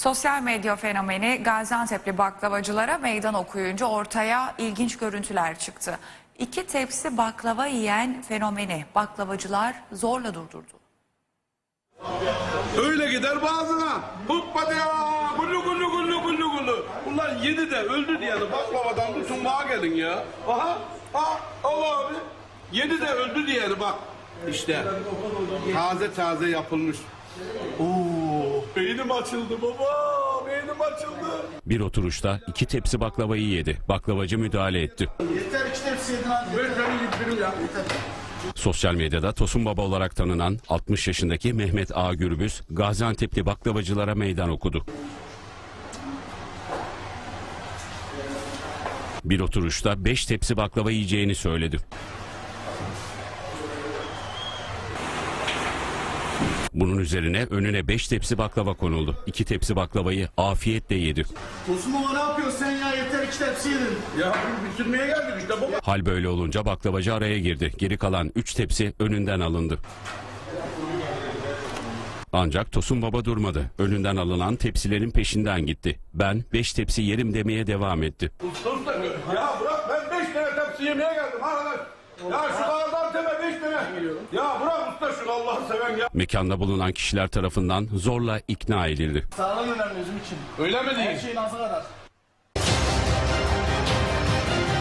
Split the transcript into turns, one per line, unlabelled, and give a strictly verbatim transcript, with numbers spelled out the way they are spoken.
Sosyal medya fenomeni Gaziantep'li baklavacılara meydan okuyunca ortaya ilginç görüntüler çıktı. İki tepsi baklava yiyen fenomeni baklavacılar zorla durdurdu.
Öyle gider bazına. Hoppa ya. Gullu gullu gullu gullu gullu. Ulan yedi de öldü diyeni baklavadan tutun bağa gelin ya. Aha. Ha, Allah abi. Yedi de öldü diyeni bak. İşte taze taze yapılmış. Oo, beynim açıldı baba. Beynim açıldı.
Bir oturuşta iki tepsi baklavayı yedi. Baklavacı müdahale etti.
Yeter iki tepsi yedin abi.
Ben seni yedirim ya. Yeter.
Sosyal medyada Tosun Baba olarak tanınan altmış yaşındaki Mehmet A. Gürbüz, Gaziantep'li baklavacılara meydan okudu. Bir oturuşta beş tepsi baklava yiyeceğini söyledi. Bunun üzerine önüne beş tepsi baklava konuldu. İki tepsi baklavayı afiyetle yedi.
Tosun baba ne yapıyorsun sen ya? Yeter iki tepsi yedin.
Ya bitirmeye geldik işte baba.
Hal böyle olunca baklavacı araya girdi. Geri kalan üç tepsi önünden alındı. Ancak Tosun Baba durmadı. Önünden alınan tepsilerin peşinden gitti. Ben beş tepsi yerim demeye devam etti.
Usta da ya bırak ben beş tane tepsi yemeye geldim arkadaş. Ya şu kadar teme beş tane. Ya bırak usta şunu Allah'ı seven ya.
Mekanda bulunan kişiler tarafından zorla ikna edildi.
Sağlam önemli özüm için.
Öyle mi
Her
diyeyim?
şeyin ağzı kadar.